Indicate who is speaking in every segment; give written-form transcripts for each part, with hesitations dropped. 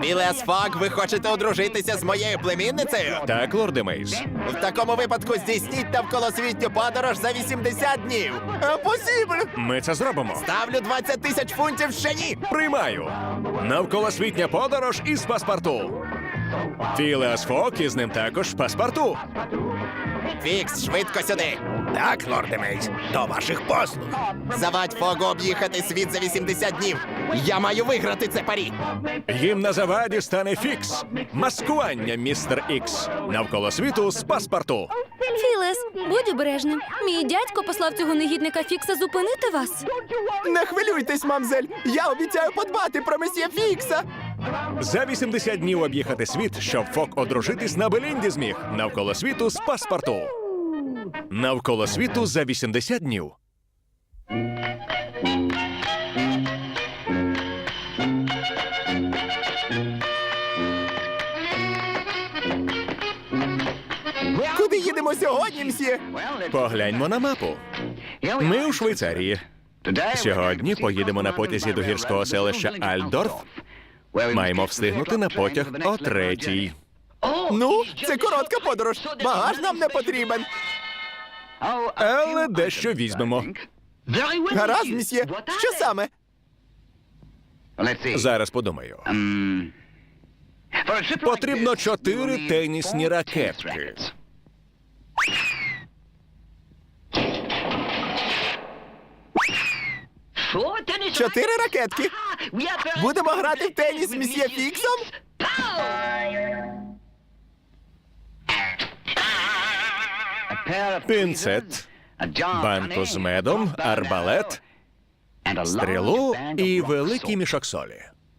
Speaker 1: Філеас Фок, ви хочете одружитися з моєю племінницею?
Speaker 2: Так, лорде Мейс.
Speaker 1: В такому випадку здійсніть навколосвітню подорож за 80 днів. Посібль!
Speaker 2: Ми це зробимо.
Speaker 1: Ставлю 20 тисяч фунтів ще ні!
Speaker 2: Приймаю. Навколосвітня подорож із паспорту. Філеас Фок і з ним також паспорту.
Speaker 1: Фікс, швидко сюди!
Speaker 3: Так, лорде Мейс, до ваших послуг.
Speaker 1: Завадь Фогу об'їхати світ за 80 днів! Я маю виграти це парі!
Speaker 2: Їм на заваді стане Фікс. Маскування, містер Ікс. Навколо світу з паспорту.
Speaker 4: Філес, будь обережним. Мій дядько послав цього негідника Фікса зупинити вас.
Speaker 1: Не хвилюйтесь, мамзель! Я обіцяю подбати про месьє Фікса!
Speaker 2: За 80 днів об'їхати світ, щоб Фок одружитись на Белінді зміг. Навколо світу з паспорту. Навколо світу за 80 днів.
Speaker 1: Куди їдемо сьогодні, мсьє?
Speaker 2: Погляньмо на мапу. Ми у Швейцарії. Сьогодні поїдемо на потязі до гірського селища Альдорф. Маємо встигнути на потяг о 3:00.
Speaker 1: Ну, це коротка подорож. Багаж нам не потрібен.
Speaker 2: Але дещо візьмемо.
Speaker 1: Гаразд, мсьє. Що саме?
Speaker 2: Зараз подумаю. Потрібно 4 тенісні ракетки.
Speaker 1: Чотири ракетки. Будемо грати в теніс з месьє Фіксом?
Speaker 2: Пінцет, банку з медом, арбалет, стрілу і великий мішок солі.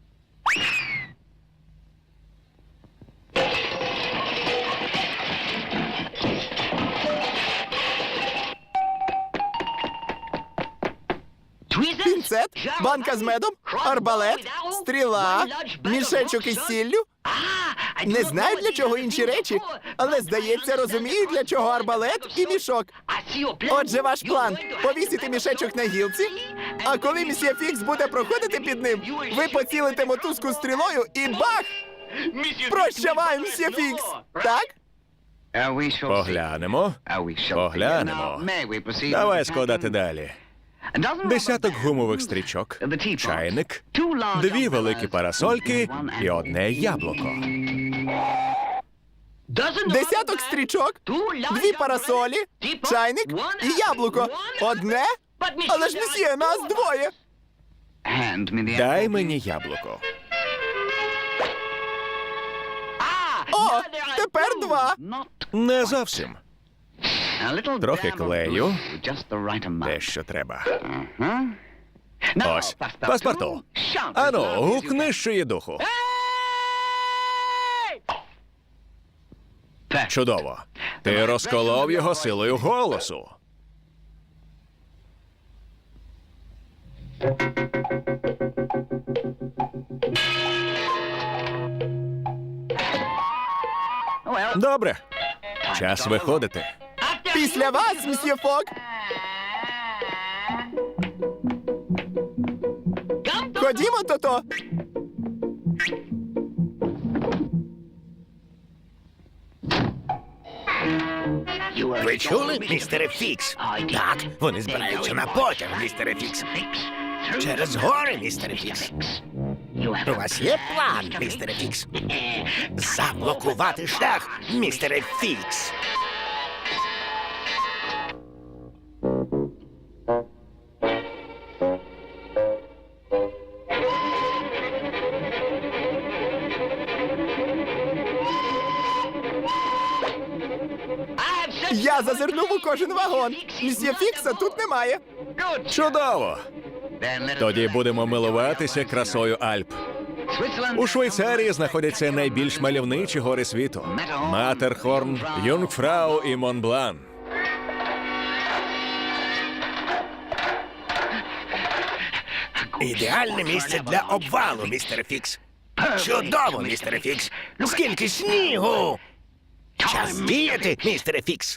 Speaker 1: Пінцет, банка з медом, арбалет, стріла, мішечок із сіллю. Не знаю, для чого інші речі, але, здається, розумію, для чого арбалет і мішок. Отже, ваш план – повісити мішечок на гілці, а коли месьє Фікс буде проходити під ним, ви поцілите мотузку стрілою і бах! Прощавай, месьє Фікс! Так?
Speaker 2: Поглянемо. Поглянемо. Давай складати далі. Десяток гумових стрічок, чайник, 2 великі парасольки і 1 яблуко.
Speaker 1: Десяток стрічок, 2 парасолі, чайник і яблуко. Одне? Але ж, месьє, нас 2.
Speaker 2: Дай мені яблуко.
Speaker 1: О, тепер 2.
Speaker 2: Не зовсім. Трохи клею. Те, що треба. Ось, паспорту. Ану, гукни, що є духу. Чудово. Ти розколов його силою голосу. Добре. Час виходити.
Speaker 1: Після вас, месьє Фок. Ходімо, то-то.
Speaker 3: Ви чули, містере Фікс? Так, вони збираються на потяг, містере Фікс. Через гори, містере Фікс. У вас є план, містере Фікс? Заблокувати шлях, містере Фікс.
Speaker 1: Я зазирнув у кожен вагон. Месьє Фікса тут немає.
Speaker 2: Чудово. Тоді будемо милуватися красою Альп. У Швейцарії знаходяться найбільш мальовничі гори світу: Матерхорн, Юнгфрау і Монблан.
Speaker 3: Ідеальне місце для обвалу, містере Фікс. Чудово, містере Фікс. Скільки снігу! Час діяти, містере Фікс.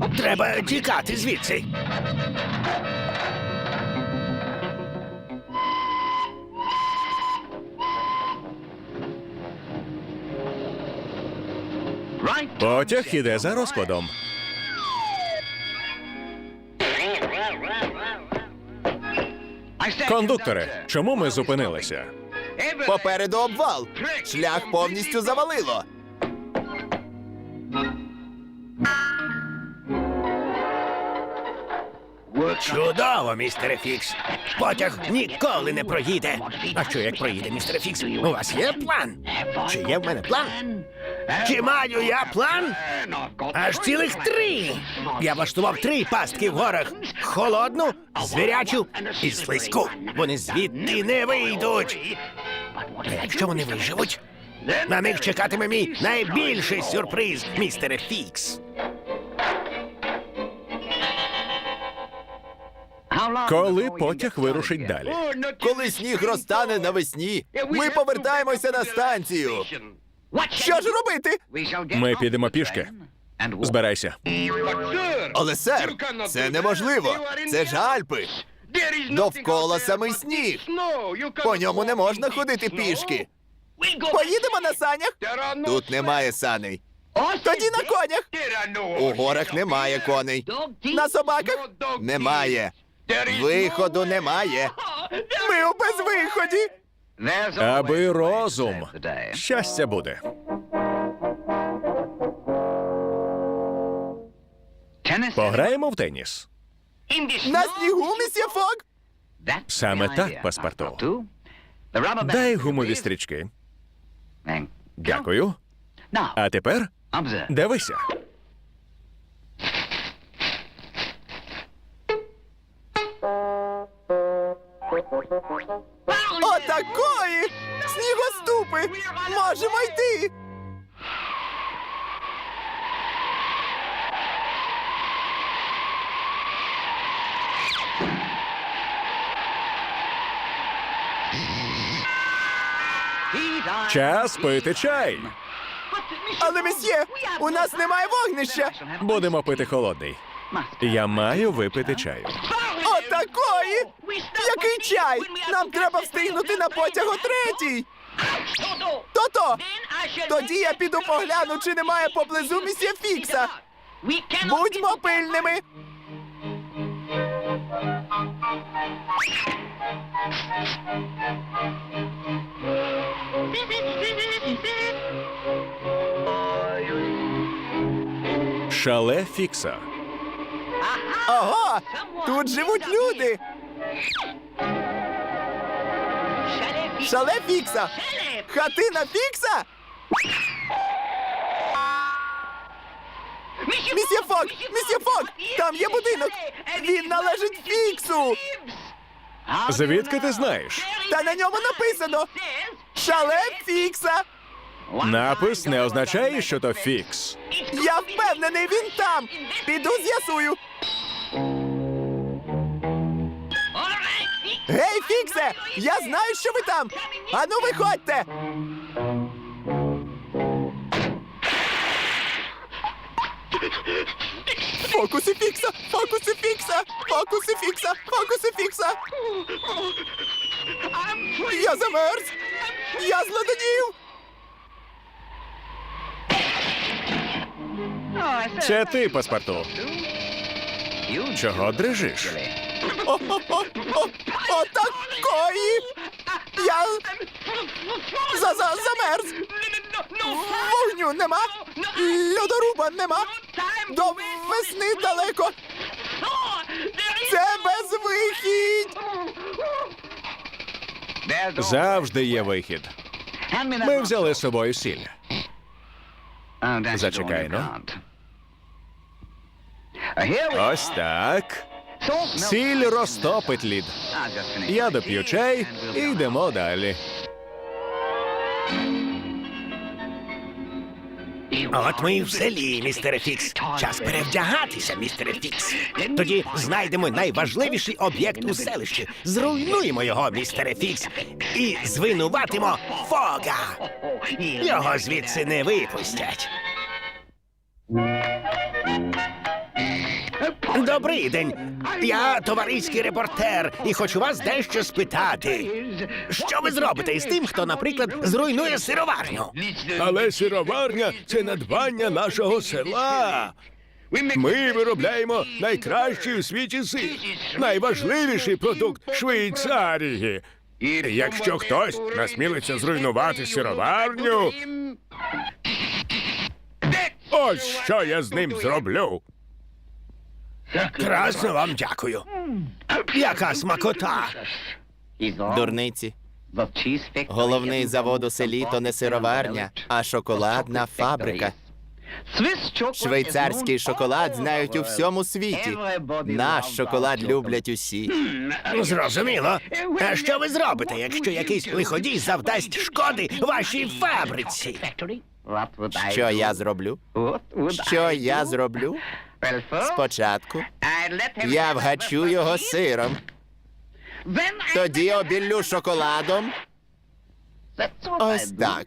Speaker 3: Треба тікати звідси.
Speaker 2: Потяг іде за розкладом. Кондукторе, чому ми зупинилися?
Speaker 1: Попереду обвал. Шлях повністю завалило.
Speaker 3: Чудово, містере Фікс. Потяг ніколи не проїде. А що як проїде, містере Фікс? У вас є план? Чи є в мене план? Чи маю я план? Аж цілих 3. Я влаштував 3 пастки в горах. Холодну, звірячу і слизьку. Вони звідти не вийдуть. А якщо вони виживуть, на них чекатиме мій найбільший сюрприз, містере Фікс.
Speaker 2: Коли потяг вирушить далі?
Speaker 1: Коли сніг розтане навесні, ми повертаємося на станцію. Що ж робити?
Speaker 2: Ми підемо пішки. Збирайся.
Speaker 1: Але, сер, це неможливо. Це ж Альпи. Довкола самий сніг. По ньому не можна ходити пішки. Поїдемо на санях? Тут немає саней. Тоді на конях. У горах немає коней. На собаках? Немає. Виходу немає. Ми у безвиході.
Speaker 2: Аби розум. Щастя буде. Пограємо в теніс.
Speaker 1: На снігу, місьє Фог?
Speaker 2: Саме так, паспорту. Дай гумові стрічки. Дякую. А тепер дивися.
Speaker 1: Отакої! Снігоступи! Можемо йти!
Speaker 2: Час пити чай.
Speaker 1: Але, месьє, у нас немає вогнища!
Speaker 2: Будемо пити холодний. Я маю випити чаю.
Speaker 1: Отакої! Який чай? Нам треба встигнути на потяг о 3:00! То-то! Тоді я піду погляну, чи немає поблизу місьє Фікса. Будьмо пильними!
Speaker 2: Шале Фікса.
Speaker 1: Ого! Тут живуть люди! Шале Фікса! Хатина Фікса? Місьє Фок! Місьє Фок! Там є будинок! Він належить Фіксу!
Speaker 2: Звідки ти знаєш?
Speaker 1: Та на ньому написано «Шале Фікса».
Speaker 2: Напис не означає, що то Фікс.
Speaker 1: Я впевнений, він там. Піду з'ясую. Гей, Фіксе! Я знаю, що ви там. Ану, виходьте. Фокуси Фікса! Фокуси Фікса! Фокуси Фікса! Фокуси Фікса! Я замерз! Я злоденів!
Speaker 2: Це ти, паспорту. Чого дрижиш?
Speaker 1: Отакої! Я замерз! Вогню нема! Льодоруба нема! До весни далеко! Це безвихідь!
Speaker 2: Завжди є вихід. Ми взяли з собою сіль. Зачекай, ну. Ось так. Сіль розтопить лід. Я доп'ю чай і йдемо далі.
Speaker 3: От ми і в селі, містере Фікс. Час перевдягатися, містере Фікс. Тоді знайдемо найважливіший об'єкт у селищі. Зруйнуємо його, містере Фікс. І звинуватимо Фога. Його звідси не випустять. Добрий день. Я товариський репортер і хочу вас дещо спитати. Що ви зробите із тим, хто, наприклад, зруйнує сироварню?
Speaker 5: Але сироварня – це надбання нашого села. Ми виробляємо найкращий у світі сир, найважливіший продукт Швейцарії. І якщо хтось насмілиться зруйнувати сироварню, ось що я з ним зроблю.
Speaker 3: Красно вам дякую. Яка смакота!
Speaker 1: Дурниці. Головний завод у селі то не сироварня, а шоколадна фабрика. Швейцарський шоколад знають у всьому світі. Наш шоколад люблять усі.
Speaker 3: Зрозуміло. А що ви зробите, якщо якийсь лиходій завдасть шкоди вашій фабриці?
Speaker 1: Що я зроблю? Що я зроблю? Спочатку я вгачу його сиром, тоді обіллю шоколадом. Ось так.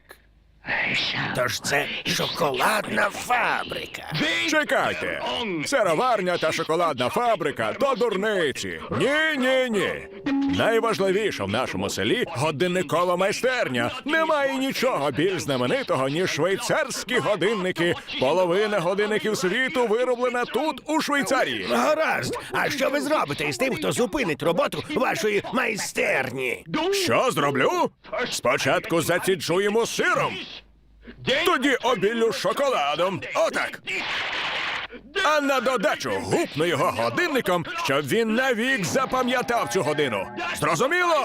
Speaker 3: Тож це шоколадна фабрика.
Speaker 5: Чекайте! Сироварня та шоколадна фабрика – то дурниці. Ні. Найважливіше в нашому селі – годинникова майстерня. Немає нічого більш знаменитого, ніж швейцарські годинники. Половина годинників світу вироблена тут, у Швейцарії.
Speaker 3: Гаразд. А що ви зробите із тим, хто зупинить роботу вашої майстерні?
Speaker 5: Що зроблю? Спочатку заціджуємо сиром, тоді обіллю шоколадом. Отак. А на додачу гупну його годинником, щоб він навік запам'ятав цю годину. Зрозуміло?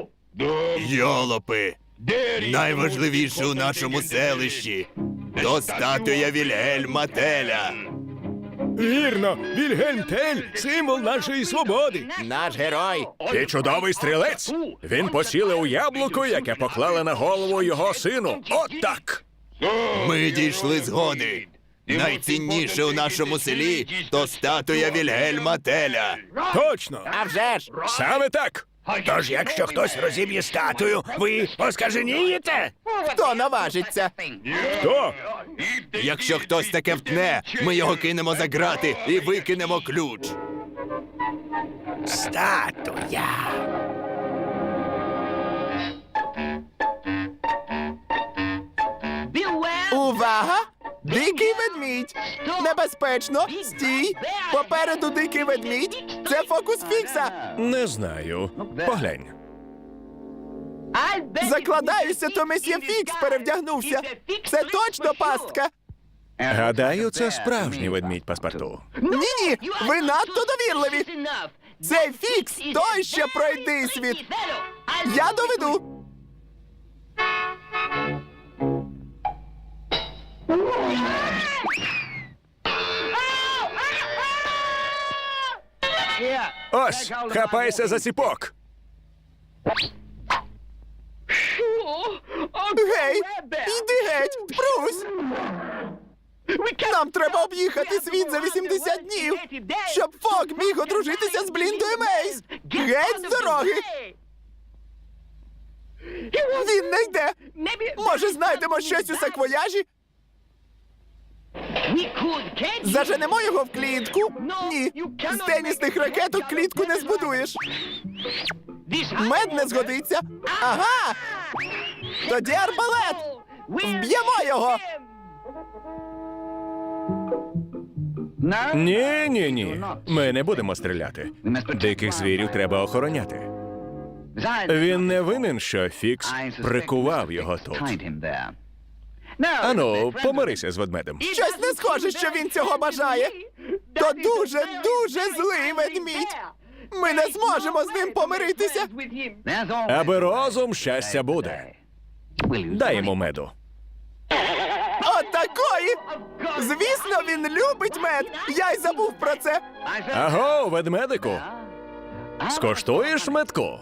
Speaker 1: Йолопи! Найважливіше у нашому селищі – то статуя Вільгельма Теля.
Speaker 5: Вірно, Вільгельм Тель – символ нашої свободи.
Speaker 1: Наш герой.
Speaker 5: І чудовий стрілець. Він поцілив у яблуко, яке поклали на голову його сину. От так.
Speaker 1: Ми дійшли згоди. Найцінніше у нашому селі – то статуя Вільгельма Теля.
Speaker 5: Точно.
Speaker 1: А вже ж!
Speaker 5: Саме так.
Speaker 3: Тож, якщо хтось розіб'є статую, ви оскаженієте?
Speaker 1: Хто наважиться?
Speaker 5: Хто?
Speaker 1: Якщо хтось таке втне, ми його кинемо за грати і викинемо ключ.
Speaker 3: Статуя.
Speaker 1: Увага! Дикий ведмідь! Небезпечно! Стій! Попереду дикий ведмідь! Це фокус Фікса!
Speaker 2: Не знаю. Поглянь.
Speaker 1: Закладаюся, то месьє Фікс перевдягнувся! Це точно пастка!
Speaker 2: Гадаю, це справжній ведмідь паспорту.
Speaker 1: Ні-ні! Ви надто довірливі! Цей Фікс той ще пройди світ! Я доведу!
Speaker 5: Ось, хапайся за ціпок.
Speaker 1: Гей! Йди геть! Брусь! Нам треба об'їхати світ за 80 днів, щоб Фок міг одружитися з Бліндою Мейс! Геть з дороги! Він не йде! Може, знайдемо щось у саквояжі? Заженемо його в клітку? Ні. З тенісних ракеток клітку не збудуєш. Мед не згодиться. Ага! Тоді арбалет! Вб'ємо його!
Speaker 2: Ні. Ми не будемо стріляти. Диких звірів треба охороняти. Він не винен, що Фікс прикував його тут. Ану, помирися з ведмедем.
Speaker 1: Щось не схоже, що він цього бажає. То дуже злий ведмідь. Ми не зможемо з ним помиритися.
Speaker 2: Аби розум, щастя буде. Дай йому меду.
Speaker 1: Отакої! Звісно, він любить мед. Я й забув про це.
Speaker 2: Аго, ведмедику. Скоштуєш медку?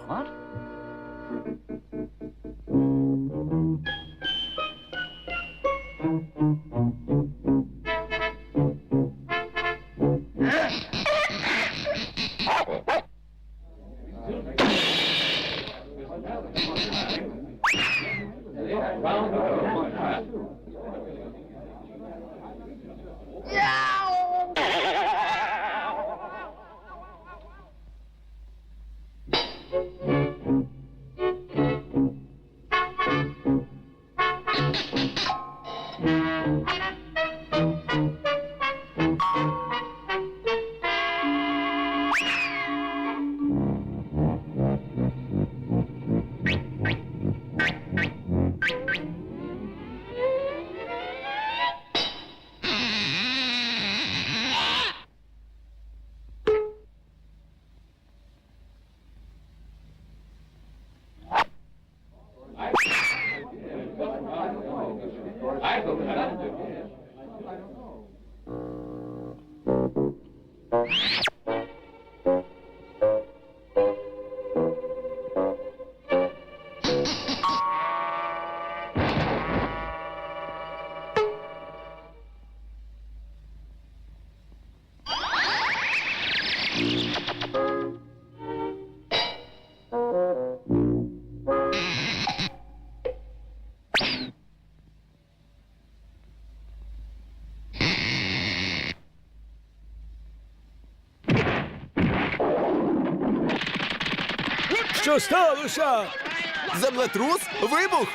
Speaker 3: Що сталося?
Speaker 1: Землетрус? Вибух?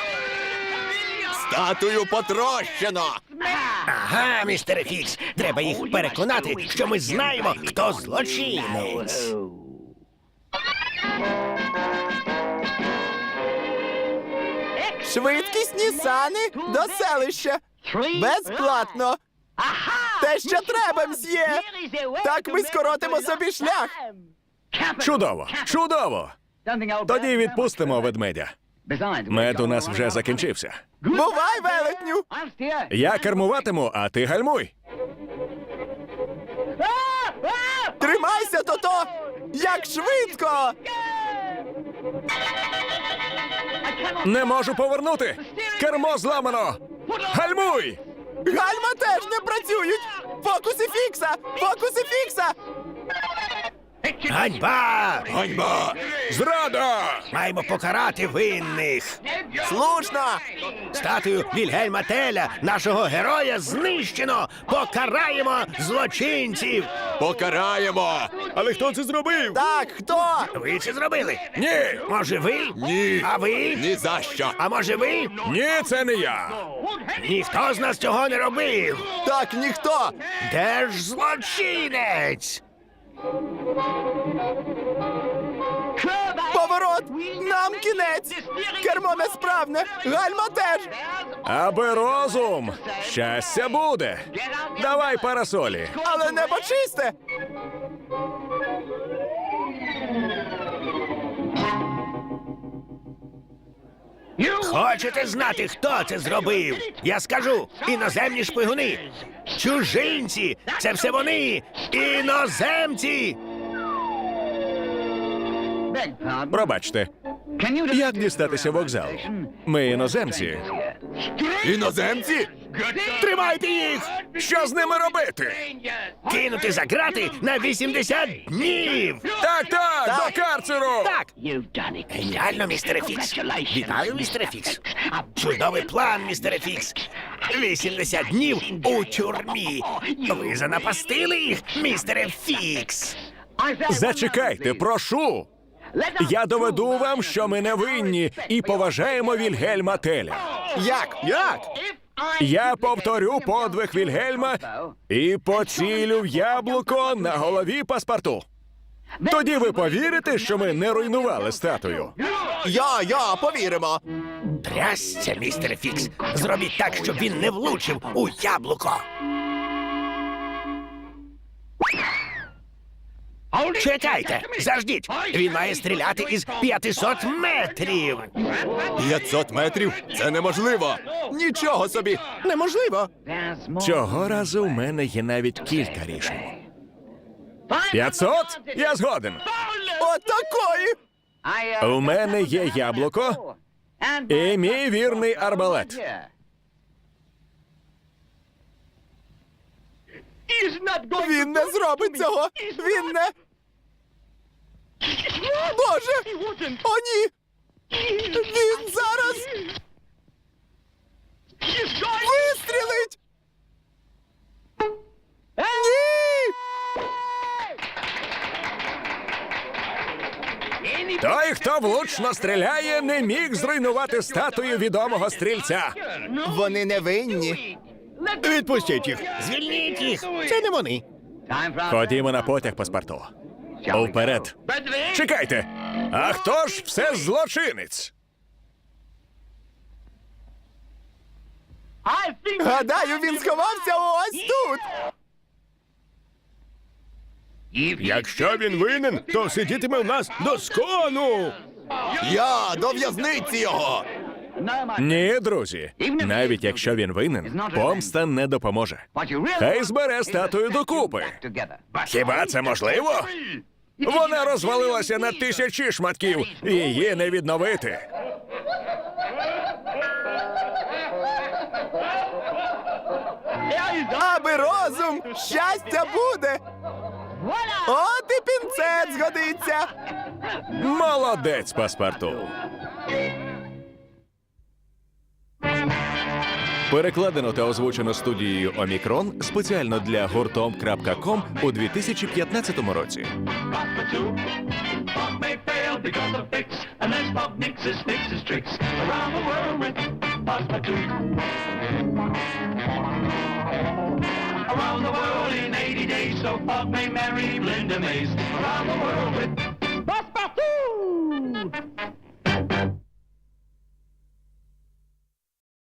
Speaker 1: Статую потрощено!
Speaker 3: Ага, містере Фікс. Треба їх переконати, що ми знаємо, хто злочинець.
Speaker 1: Швидкісні сани до селища. Безплатно. Те, що треба, мсьє. Так ми скоротимо собі шлях.
Speaker 5: Чудово! Чудово! Тоді відпустимо ведмедя. Мед у нас вже закінчився.
Speaker 1: Бувай, велетню!
Speaker 5: Я кермуватиму, а ти гальмуй.
Speaker 1: Тримайся, Тото! Як швидко!
Speaker 5: Не можу повернути! Кермо зламано! Гальмуй!
Speaker 1: Гальма теж не працюють! Фокуси фікса! Фокуси фікса!
Speaker 3: Ганьба!
Speaker 1: Ганьба!
Speaker 5: Зрада!
Speaker 3: Маємо покарати винних.
Speaker 1: Слушно!
Speaker 3: Статую Вільгельма Теля, нашого героя, знищено! Покараємо злочинців!
Speaker 1: Покараємо!
Speaker 5: Але хто це зробив?
Speaker 1: Так, хто?
Speaker 3: Ви це зробили?
Speaker 5: Ні!
Speaker 3: Може ви?
Speaker 1: Ні.
Speaker 3: А ви?
Speaker 1: Ні за що!
Speaker 3: А може ви?
Speaker 5: Ні, це не я!
Speaker 3: Ніхто з нас цього не робив!
Speaker 1: Так, ніхто!
Speaker 3: Де ж злочинець?
Speaker 1: Поворот! Нам кінець! Кермо несправне! Гальма теж!
Speaker 5: Аби розум! Щастя буде! Давай парасолі!
Speaker 1: Але небо чисте!
Speaker 3: Хочете знати, хто це зробив? Я скажу, іноземні шпигуни. Чужинці! Це все вони! Іноземці!
Speaker 5: Пробачте, як дістатися вокзалу? Ми іноземці.
Speaker 1: Іноземці?
Speaker 3: Тримайте їх!
Speaker 5: Що з ними робити?
Speaker 3: Кинути за грати на 80 днів!
Speaker 5: Так, до карцеру!
Speaker 3: Так! Геніально, містере Фікс! Вітаю, містере Фікс! Чудовий план, містере Фікс! 80 днів у тюрмі! Ви занапастили їх, містере Фікс!
Speaker 5: Зачекайте, прошу! Я доведу вам, що ми не винні і поважаємо Вільгельма Теля.
Speaker 1: Як? Як?
Speaker 5: Я повторю подвиг Вільгельма і поцілю в яблуко на голові паспорту. Тоді ви повірите, що ми не руйнували статую.
Speaker 1: Я, повіримо.
Speaker 3: Трясся, містере Фікс! Зробіть так, щоб він не влучив у яблуко! Чекайте! Заждіть! Він має стріляти із 500 метрів!
Speaker 1: 500 метрів? Це неможливо. Нічого собі. Неможливо.
Speaker 5: Цього разу в мене є навіть кілька рішень. 500? Я згоден.
Speaker 1: Отакої.
Speaker 5: У мене є яблуко і мій вірний арбалет.
Speaker 1: Він не зробить цього. Він не. Боже! О, ні! Він зараз вистрілить! Ні!
Speaker 5: Той, хто влучно стріляє, не міг зруйнувати статую відомого стрільця.
Speaker 1: Вони не винні.
Speaker 3: Відпустіть їх! Звільніть їх! Це не вони!
Speaker 5: Ходімо на потяг паспорту. Уперед. Чекайте! А хто ж все злочинець?
Speaker 1: Гадаю, він сховався ось тут.
Speaker 5: Якщо він винен, то сидітиме в нас до скону.
Speaker 1: Я до в'язниці його.
Speaker 5: Ні, друзі. Навіть якщо він винен, помста не допоможе. Хай збере статую докупи. Хіба це можливо? Вона розвалилася на тисячі шматків, і її не відновити.
Speaker 1: Аби розум, щастя буде. От і пінцет згодиться.
Speaker 5: Молодець, паспорту. Перекладено та озвучено студією Омікрон спеціально для гуртом.ком у 2015 році.
Speaker 6: Pop may fail, because of Fix. And there's Bob Nix's tricks around the world with Passepartout. Around the world in 80 days, so Bob may marry Linda Mays. Around the world with Passepartout.